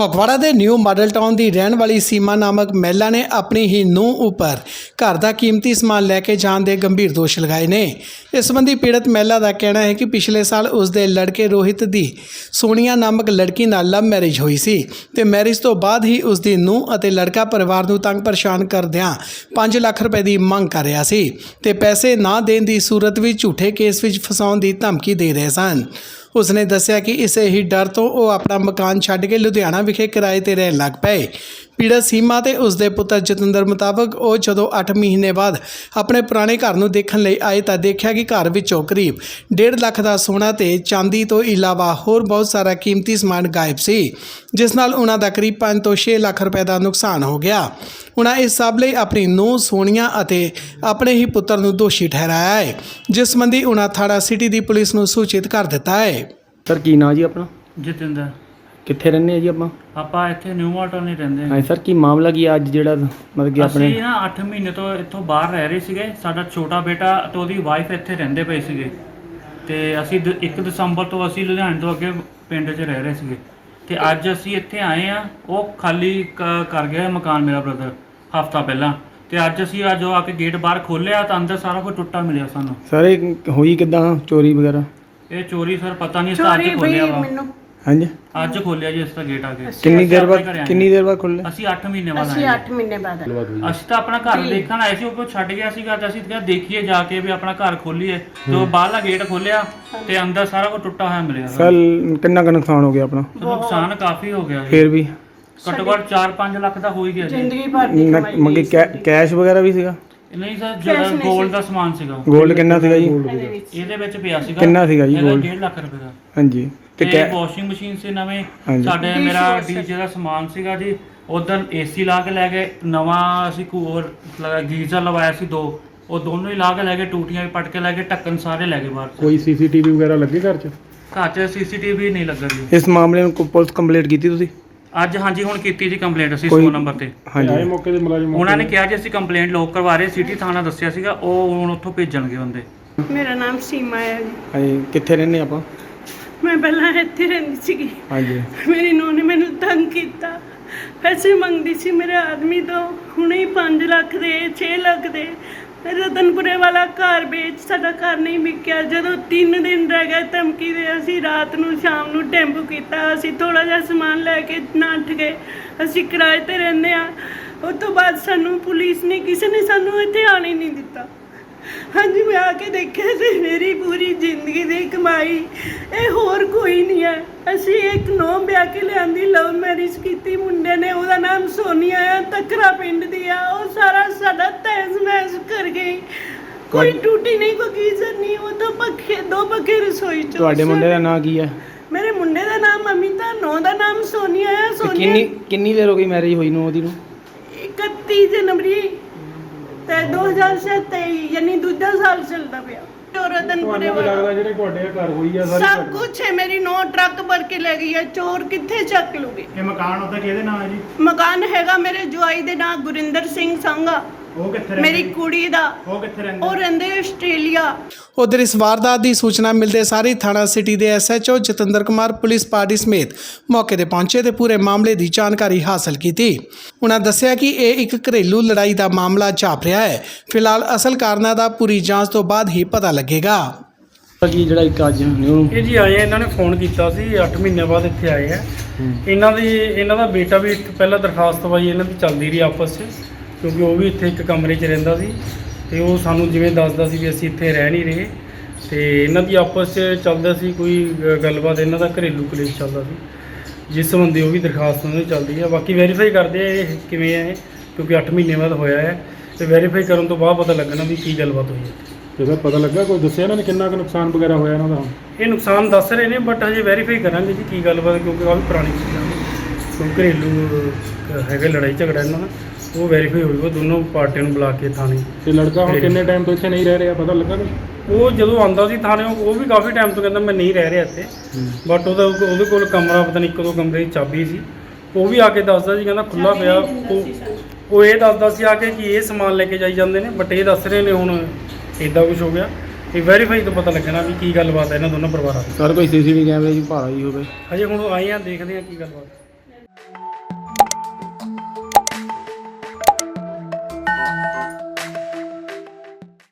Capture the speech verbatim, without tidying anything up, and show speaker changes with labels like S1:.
S1: ਫਗਵਾੜਾ ਦੇ new model town ਦੀ ਰਹਿਣ ਵਾਲੀ ਸੀਮਾ ਨਾਮਕ ਮਹਿਲਾ ਨੇ ਆਪਣੀ ਹੀ ਨੂੰਹ ਉੱਪਰ ਘਰ ਦਾ ਕੀਮਤੀ ਸਮਾਨ ਲੈ ਕੇ ਜਾਣ ਦੇ ਗੰਭੀਰ ਦੋਸ਼ ਲਗਾਏ ਨੇ। ਇਸ ਸੰਬੰਧੀ ਪੀੜਤ ਮਹਿਲਾ ਦਾ ਕਹਿਣਾ ਹੈ ਕਿ ਪਿਛਲੇ ਸਾਲ ਉਸ ਦੇ ਲੜਕੇ ਰੋਹਿਤ ਦੀ ਸੋਨੀਆ ਨਾਮਕ ਲੜਕੀ ਨਾਲ ਲਵ ਮੈਰਿਜ ਹੋਈ ਸੀ ਤੇ ਮੈਰਿਜ ਤੋਂ ਬਾਅਦ ਹੀ ਉਸ ਦੀ ਨੂੰਹ ਅਤੇ ਲੜਕਾ ਪਰਿਵਾਰ ਨੂੰ ਤੰਗ ਪਰੇਸ਼ਾਨ ਕਰਦਿਆਂ ਪੰਜ ਲੱਖ ਰੁਪਏ ਦੀ ਮੰਗ ਕਰ ਰਿਹਾ ਸੀ ਤੇ ਪੈਸੇ ਨਾ ਦੇਣ ਦੀ ਸੂਰਤ ਵਿੱਚ ਝੂਠੇ ਕੇਸ ਵਿੱਚ ਫਸਾਉਣ ਦੀ ਧਮਕੀ ਦੇ ਰਹੇ ਸਨ। ਉਸਨੇ ਦੱਸਿਆ ਕਿ ਇਸੇ ਹੀ ਡਰ ਤੋਂ ਉਹ ਆਪਣਾ ਮਕਾਨ ਛੱਡ ਕੇ ਲੁਧਿਆਣਾ ਵਿਖੇ ਕਿਰਾਏ ਤੇ ਰਹਿਣ ਲੱਗ ਪਏ। ਪੀੜਤ ਸੀਮਾ ਤੇ ਉਸਦੇ ਪੁੱਤਰ ਜਤਿੰਦਰ ਮੁਤਾਬਕ ਉਹ ਜਦੋਂ ਅੱਠ ਮਹੀਨੇ ਬਾਅਦ ਆਪਣੇ ਪੁਰਾਣੇ ਘਰ ਨੂੰ ਦੇਖਣ ਲਈ ਆਏ ਤਾਂ ਦੇਖਿਆ ਕਿ ਘਰ ਵਿੱਚੋਂ ਕਰੀਬ ਡੇਢ ਲੱਖ ਦਾ ਸੋਨਾ ਤੇ ਚਾਂਦੀ ਤੋਂ ਇਲਾਵਾ ਹੋਰ ਬਹੁਤ ਸਾਰਾ ਕੀਮਤੀ ਸਮਾਨ ਗਾਇਬ ਸੀ, ਜਿਸ ਨਾਲ ਉਹਨਾਂ ਦਾ ਕਰੀਬ ਪੰਜ ਤੋਂ ਛੇ ਲੱਖ ਰੁਪਏ ਦਾ ਨੁਕਸਾਨ ਹੋ ਗਿਆ। ਉਹਨਾਂ ਇਸ ਸਭ ਲਈ ਆਪਣੀ ਨੂੰਹ ਸੋਨੀਆ ਅਤੇ ਆਪਣੇ ਹੀ ਪੁੱਤਰ ਨੂੰ ਦੋਸ਼ੀ ਠਹਿਰਾਇਆ ਹੈ, ਜਿਸ ਸੰਬੰਧੀ ਉਹਨਾਂ ਥਾਣਾ ਸਿਟੀ ਦੀ ਪੁਲਿਸ ਨੂੰ ਸੂਚਿਤ ਕਰ ਦਿੱਤਾ ਹੈ।
S2: ਸਰ ਕੀ ਨਾਂ ਜੀ ਆਪਣਾ?
S3: ਜਤਿੰਦਰ।
S2: ਕਿੱਥੇ ਰਹਿੰਦੇ ਆ ਜੀ ਆਪਾਂ?
S3: ਆਪਾਂ ਇੱਥੇ ਨਿਊ ਮਾਡਲ ਨਹੀਂ ਰਹਿੰਦੇ।
S2: ਹਾਂ ਸਰ, ਕੀ ਮਾਮਲਾ ਕੀ ਅੱਜ ਜਿਹੜਾ ਮਤਲਬ ਕਿ ਆਪਣੇ
S3: ਅਸੀਂ ਨਾ ਅੱਠ ਮਹੀਨੇ ਤੋਂ ਇੱਥੋਂ ਬਾਹਰ ਰਹਿ ਰਹੇ ਸੀਗੇ। ਸਾਡਾ ਛੋਟਾ ਬੇਟਾ ਤੇ ਉਹਦੀ ਵਾਈਫ ਇੱਥੇ ਰਹਿੰਦੇ ਪਏ ਸੀਗੇ ਤੇ ਅਸੀਂ ਇੱਕ ਦਸੰਬਰ ਤੋਂ ਅਸੀਂ ਲੁਧਿਆਣੇ ਤੋਂ ਅੱਗੇ ਪਿੰਡ 'ਚ ਰਹਿ ਰਹੇ ਸੀਗੇ ਤੇ ਅੱਜ ਅਸੀਂ ਇੱਥੇ ਆਏ ਆ। ਉਹ ਖਾਲੀ ਕਰ ਗਿਆ ਮਕਾਨ ਮੇਰਾ ਬ੍ਰਦਰ ਹਫਤਾ ਪਹਿਲਾਂ ਤੇ ਅੱਜ ਅਸੀਂ ਅੱਜ ਉਹ ਆ ਕੇ ਗੇਟ ਬਾਹਰ ਖੋਲ੍ਹਿਆ ਤਾਂ ਅੰਦਰ ਸਾਰਾ ਕੁਝ ਟੁੱਟਾ ਮਿਲਿਆ ਸਾਨੂੰ।
S2: ਸਰ ਇਹ ਹੋਈ ਕਿੱਦਾਂ ਚੋਰੀ ਵਗੈਰਾ?
S3: ਇਹ ਚੋਰੀ ਸਰ ਪਤਾ ਨਹੀਂ, ਅਸੀਂ ਅੱਜ ਖੋਲ੍ਹਿਆ ਵਾ।
S2: ਹਾਂਜੀ
S3: ਅੱਜ ਖੋਲਿਆ ਜੀ ਇਸ ਦਾ ਗੇਟ ਆ ਕੇ।
S2: ਕਿੰਨੀ ਦੇਰ ਬਾਅਦ ਕਿੰਨੀ ਦੇਰ ਬਾਅਦ ਖੁੱਲੇ?
S3: ਅਸੀਂ ਅੱਠ ਮਹੀਨੇ ਬਾਅਦ
S4: ਅਸੀਂ
S3: ਆਏ।
S4: ਅੱਠ ਮਹੀਨੇ ਬਾਅਦ
S3: ਅਸੀਂ ਤਾਂ ਆਪਣਾ ਘਰ ਦੇਖਣ ਆਏ ਸੀ, ਉਹ ਕੋਈ ਛੱਡ ਗਿਆ ਸੀਗਾ ਤੇ ਅਸੀਂ ਕਿਹਾ ਦੇਖੀਏ ਜਾ ਕੇ ਵੀ ਆਪਣਾ ਘਰ ਖੋਲੀਏ। ਤੇ ਉਹ ਬਾਹਰਲਾ ਗੇਟ ਖੋਲਿਆ ਤੇ ਅੰਦਰ ਸਾਰਾ ਕੁਝ ਟੁੱਟਾ ਹੋਇਆ ਮਿਲਿਆ।
S2: ਸਰ ਕਿੰਨਾ ਕੁ ਨੁਕਸਾਨ ਹੋ ਗਿਆ ਆਪਣਾ?
S3: ਨੁਕਸਾਨ ਕਾਫੀ ਹੋ ਗਿਆ ਜੀ,
S2: ਫਿਰ ਵੀ
S3: ਘੱਟੋ ਘੱਟ ਚਾਰ ਪੰਜ ਲੱਖ ਦਾ ਹੋ ਹੀ ਗਿਆ ਜੀ।
S4: ਜ਼ਿੰਦਗੀ ਭਰ ਦੀ ਕਮਾਈ
S2: ਮੰਗੇ ਕੈਸ਼ ਵਗੈਰਾ ਵੀ ਸੀਗਾ?
S3: ਨਹੀਂ ਸਰ, ਜਿਹੜਾ ਗੋਲਡ ਦਾ ਸਮਾਨ ਸੀਗਾ।
S2: ਗੋਲਡ ਕਿੰਨਾ ਸੀਗਾ ਜੀ?
S3: ਇਹਦੇ ਵਿੱਚ ਪਿਆ ਸੀਗਾ
S2: ਕਿੰਨਾ ਸੀਗਾ ਜੀ ਗੋਲਡ?
S3: ਡੇਢ ਲੱਖ ਰੁਪਏ ਦਾ।
S2: ਹਾਂਜੀ
S3: ਤੇ ਵਾਸ਼ਿੰਗ ਮਸ਼ੀਨ ਸੀ ਨਵੇਂ ਸਾਡੇ, ਮੇਰਾ ਡੀਜੇ ਦਾ ਸਮਾਨ ਸੀਗਾ ਜੀ। ਉਧਰ ਏਸੀ ਲਾ ਕੇ ਲੈ ਗਏ, ਨਵਾਂ ਅਸੀਂ ਕੂਲਰ ਗੀਜ਼ਰ ਲਵਾਇਆ ਸੀ ਦੋ, ਉਹ ਦੋਨੋਂ ਹੀ ਲਾ ਕੇ ਲੈ ਗਏ, ਟੂਟੀਆਂ ਵੀ ਪੱਟ ਕੇ ਲੈ ਗਏ, ਢੱਕਣ ਸਾਰੇ ਲੈ ਗਏ ਬਾਹਰ।
S2: ਕੋਈ ਸੀਸੀਟੀਵੀ ਵਗੈਰਾ ਲੱਗੇ ਘਰ 'ਚ?
S3: ਘਰ 'ਚ ਸੀਸੀਟੀਵੀ ਨਹੀਂ ਲੱਗਾ ਜੀ।
S2: ਇਸ ਮਾਮਲੇ ਨੂੰ ਪੁਲਿਸ ਕੰਪਲੇਂਟ ਕੀਤੀ ਤੁਸੀਂ?
S3: ਅੱਜ ਹਾਂਜੀ ਹੁਣ ਕੀਤੀ ਜੀ ਕੰਪਲੇਂਟ ਅਸੀਂ ਸੌ ਨੰਬਰ ਤੇ।
S2: ਹਾਂਜੀ ਮੌਕੇ ਤੇ ਮੁਲਾਜ਼ਮ
S3: ਉਹਨਾਂ ਨੇ ਕਿਹਾ ਜੀ ਅਸੀਂ ਕੰਪਲੇਂਟ ਲੋਕ ਕਰਵਾ ਰਹੇ, ਸਿਟੀ ਥਾਣਾ ਦੱਸਿਆ ਸੀਗਾ, ਉਹ ਹੁਣ ਉੱਥੋਂ ਭੇਜਣਗੇ ਬੰਦੇ।
S4: ਮੇਰਾ ਨਾਮ ਸੀਮਾ ਹੈ ਜੀ।
S2: ਹਾਂਜੀ ਕਿੱਥੇ ਰਹਿੰਦੇ ਆਪਾਂ?
S4: ਮੈਂ ਪਹਿਲਾਂ ਇੱਥੇ ਰਹਿੰਦੀ ਸੀਗੀ।
S2: ਹਾਂਜੀ
S4: ਮੇਰੀ ਨੂੰਹ ਨੇ ਮੈਨੂੰ ਤੰਗ ਕੀਤਾ, ਪੈਸੇ ਮੰਗਦੀ ਸੀ ਮੇਰੇ ਆਦਮੀ ਤੋਂ, ਹੁਣੇ ਹੀ ਪੰਜ ਲੱਖ ਦੇ ਛੇ ਲੱਖ ਦੇ। ਰਤਨਪੁਰੇ ਵਾਲਾ ਘਰ ਵੇਚ, ਸਾਡਾ ਘਰ ਨਹੀਂ ਵਿਕਿਆ। ਜਦੋਂ ਤਿੰਨ ਦਿਨ ਰਹਿ ਗਏ ਧਮਕੀ ਦੇ, ਅਸੀਂ ਰਾਤ ਨੂੰ ਸ਼ਾਮ ਨੂੰ ਟੈਂਪੂ ਕੀਤਾ, ਅਸੀਂ ਥੋੜ੍ਹਾ ਜਿਹਾ ਸਮਾਨ ਲੈ ਕੇ ਨੱਠ ਗਏ। ਅਸੀਂ ਕਿਰਾਏ 'ਤੇ ਰਹਿੰਦੇ ਹਾਂ। ਉਸ ਤੋਂ ਬਾਅਦ ਸਾਨੂੰ ਪੁਲਿਸ ਨੇ, ਕਿਸੇ ਨੇ ਸਾਨੂੰ ਇੱਥੇ ਆਉਣ ਹੀ ਨਹੀਂ ਦਿੱਤਾ। ਹਾਂਜੀ ਮੈਂ ਆ ਕੇ ਦੇਖਿਆ ਸੀ, ਮੇਰੀ ਪੂਰੀ ਜ਼ਿੰਦਗੀ ਦੀ ਕਮਾਈ ਇਹ ਹੋਰ ਕੋਈ ਨਹੀਂ ਹੈ। ਅਸੀਂ ਇੱਕ ਨੌਂ ਵਿਆਹ ਕੇ ਲਿਆਂਦੀ, ਲਵ ਮੈਰਿਜ ਕੀਤੀ ਮੁੰਡੇ ਨੇ, ਉਹਦਾ ਨਾਮ ਸੋਨੀਆ ਆ, ਤਕਰਾ ਪਿੰਡ ਦੀ ਆ। ਉਹ ਸਾਰਾ ਸਾਡਾ ਤਹਿਸ ਮਹਿਸ ਕਰ ਗਈ, ਕੋਈ ਟੂਟੀ ਨਹੀਂ, ਕੋਈ ਗੀਜ਼ਰ ਨਹੀਂ, ਉਹ ਤਾਂ ਪੱਖੇ ਦੋ ਪੱਖੇ ਰਸੋਈ 'ਚ।
S2: ਤੁਹਾਡੇ ਮੁੰਡੇ ਦਾ ਨਾਂ ਕੀ ਹੈ?
S4: ਮੇਰੇ ਮੁੰਡੇ ਦਾ ਨਾਮ ਅਮਿਤਾ, ਨੌਂ ਦਾ ਨਾਮ ਸੋਨੀਆ ਆ। ਸੋਨੀਆ
S2: ਕਿੰਨੀ ਕਿੰਨੀ ਦੇਰ ਹੋ ਗਈ ਮੈਰਿਜ ਹੋਈ ਨੂੰ ਉਹਦੀ ਨੂੰ?
S4: ਇਕੱਤੀ ਜਨਵਰੀ ਤੇ ਦੋ ਹਜ਼ਾਰ ਤੇਈ, ਯਾਨੀ ਦੂਜਾ ਸਾਲ ਚੱਲਦਾ ਪਿਆ। ਰਤਨਪੁਰੇ ਵਾਲਾ
S2: ਜਿਹੜੇ ਤੁਹਾਡੇ ਘਰ ਹੋਈ ਆ
S4: ਸਭ ਕੁਝ ਹੈ। ਮੇਰੀ ਨੌ ਟਰੱਕ ਭਰ ਕੇ ਲੈ ਗਈ ਹੈ, ਚੋਰ ਕਿੱਥੇ ਚੱਕ ਲੂਗੇ?
S2: ਇਹ ਮਕਾਨ ਉਹਦਾ ਕਿਹਦੇ ਨਾਮ ਹੈ ਜੀ?
S4: ਮਕਾਨ ਹੈਗਾ ਮੇਰੇ ਜਵਾਈ ਦੇ ਨਾਂ, ਗੁਰਿੰਦਰ ਸਿੰਘ ਸੰਘਾ।
S2: ਉਹ ਕਿੱਥੇ
S4: ਮੇਰੀ ਕੁੜੀ ਦਾ,
S2: ਉਹ ਕਿੱਥੇ ਰਹਿੰਦੇ?
S4: ਉਹ ਰਹਿੰਦੇ ਆਸਟ੍ਰੇਲੀਆ।
S1: ਉਧਰ ਇਸ ਵਾਰਦਾਤ ਦੀ ਸੂਚਨਾ ਮਿਲਦੇ ਸਾਰ ਹੀ ਥਾਣਾ ਸਿਟੀ ਦੇ S H O Jatinder Kumar police party ਸਮੇਤ ਮੌਕੇ ਤੇ ਪਹੁੰਚੇ ਤੇ ਪੂਰੇ ਮਾਮਲੇ ਦੀ ਜਾਣਕਾਰੀ ਹਾਸਲ ਕੀਤੀ। ਉਹਨਾਂ ਦੱਸਿਆ ਕਿ ਇਹ ਇੱਕ ਘਰੇਲੂ ਲੜਾਈ ਦਾ ਮਾਮਲਾ ਜਾਪ ਰਿਹਾ ਹੈ। ਫਿਲਹਾਲ ਅਸਲ ਕਾਰਨਾਂ ਦਾ ਪੂਰੀ ਜਾਂਚ ਤੋਂ ਬਾਅਦ ਹੀ ਪਤਾ ਲੱਗੇਗਾ।
S2: ਕੀ ਜਿਹੜਾ ਇੱਕ ਅੱਜ ਨਿਊ
S5: ਇਹ ਜੀ ਆਏ ਆ, ਇਹਨਾਂ ਨੇ ਫੋਨ ਕੀਤਾ ਸੀ, ਅੱਠ ਮਹੀਨੇ ਬਾਅਦ ਇੱਥੇ ਆਏ ਆ। ਇਹਨਾਂ ਦੀ ਇਹਨਾਂ ਦਾ ਬੇਟਾ ਵੀ ਇੱਥੇ ਪਹਿਲਾਂ ਦਰਖਾਸਤ ਪਾਈ, ਇਹਨਾਂ ਦੀ ਚੱਲਦੀ ਰਹੀ ਆਪਸ 'ਚ, ਕਿਉਂਕਿ ਉਹ ਵੀ ਇੱਥੇ ਇੱਕ ਕਮਰੇ 'ਚ ਰਹਿੰਦਾ ਸੀ ਤੇ ਉਹ ਸਾਨੂੰ ਜਿਵੇਂ ਦੱਸਦਾ ਸੀ ਵੀ ਅਸੀਂ ਇੱਥੇ ਰਹਿ ਨਹੀਂ ਰਹੇ ਤੇ ਇਹਨਾਂ ਦੀ ਆਪਸ 'ਚ ਚੱਲਦਾ ਸੀ ਕੋਈ ਗੱਲਬਾਤ, ਇਹਨਾਂ ਦਾ ਘਰੇਲੂ ਕਲੇਸ਼ ਚੱਲਦਾ ਸੀ, ਜਿਸ ਸੰਬੰਧੀ ਉਹ ਵੀ ਦਰਖਾਸਤ ਉਹਨਾਂ ਦੀ ਚੱਲਦੀ ਹੈ। ਬਾਕੀ ਵੈਰੀਫਾਈ ਕਰਦੇ ਆ ਇਹ ਕਿਵੇਂ ਹੈ, ਕਿਉਂਕਿ ਅੱਠ ਮਹੀਨੇ ਬਾਅਦ ਹੋਇਆ ਹੈ ਤੇ ਵੈਰੀਫਾਈ ਕਰਨ ਤੋਂ ਬਾਅਦ ਪਤਾ ਲੱਗਣਾ ਵੀ ਕੀ ਗੱਲਬਾਤ ਹੋਈ ਹੈ।
S2: ਤੇ ਸਰ ਪਤਾ ਲੱਗਾ ਕੋਈ ਦੱਸਿਆ ਇਹਨਾਂ ਨੇ ਕਿੰਨਾ ਕੁ ਨੁਕਸਾਨ ਵਗੈਰਾ ਹੋਇਆ ਇਹਨਾਂ ਦਾ?
S5: ਇਹ ਨੁਕਸਾਨ ਦੱਸ ਰਹੇ ਨੇ ਬਟ ਹਜੇ ਵੈਰੀਫਾਈ ਕਰਾਂਗੇ ਜੀ ਕੀ ਗੱਲਬਾਤ, ਕਿਉਂਕਿ ਕਾਫੀ ਪੁਰਾਣੀ ਚੀਜ਼ਾਂ ਨੇ, ਕਿਉਂਕਿ ਘਰੇਲੂ ਹੈਗਾ ਲੜਾਈ ਝਗੜਾ ਇਹਨਾਂ ਦਾ, ਉਹ ਵੈਰੀਫਾਈ ਹੋਊਗਾ ਦੋਨੋਂ ਪਾਰਟੀਆਂ ਨੂੰ ਬੁਲਾ ਕੇ ਥਾਣੇ।
S2: ਤੇ ਲੜਕਾ ਹੁਣ ਕਿੰਨੇ ਟਾਈਮ ਤੋਂ ਇੱਥੇ ਨਹੀਂ ਰਹਿ ਰਿਹਾ, ਪਤਾ ਲੱਗਾ ਕੁਛ?
S5: ਉਹ ਜਦੋਂ ਆਉਂਦਾ ਸੀ ਥਾਣੇ ਉਹ ਵੀ ਕਾਫੀ ਟਾਈਮ ਤੋਂ ਕਹਿੰਦਾ ਮੈਂ ਨਹੀਂ ਰਹਿ ਰਿਹਾ ਇੱਥੇ, ਬਟ ਉਹਦਾ ਉਹਦੇ ਕੋਲ ਕਮਰਾ ਪਤਾ ਨਹੀਂ ਇੱਕ ਦੋ ਕਮਰੇ ਦੀ ਚਾਬੀ ਸੀ, ਉਹ ਵੀ ਆ ਕੇ ਦੱਸਦਾ ਸੀ, ਕਹਿੰਦਾ ਖੁੱਲ੍ਹਾ ਪਿਆ। ਉਹ ਉਹ ਇਹ ਦੱਸਦਾ ਸੀ ਆ ਕੇ ਕਿ ਇਹ ਸਮਾਨ ਲੈ ਕੇ ਜਾਈ ਜਾਂਦੇ ਨੇ, ਬਟ ਇਹ ਦੱਸ ਰਹੇ ਨੇ ਹੁਣ ਇੱਦਾਂ ਕੁਛ ਹੋ ਗਿਆ। ਇਹ ਵੈਰੀਫਾਈ ਤੋਂ ਪਤਾ ਲੱਗਣਾ ਵੀ ਕੀ ਗੱਲਬਾਤ ਹੈ ਇਹਨਾਂ ਦੋਨੋਂ ਪਰਿਵਾਰਾਂ ਦੀ।
S2: ਸਰ ਕੋਈ ਸੀਸੀਟੀਵੀ ਕੈਮਰੇ ਦੀ ਭਾਲ ਆਈ ਹੋਵੇ?
S5: ਹਜੇ ਹੁਣ ਆਏ ਆ, ਦੇਖਦੇ ਆ ਕੀ ਗੱਲਬਾਤ।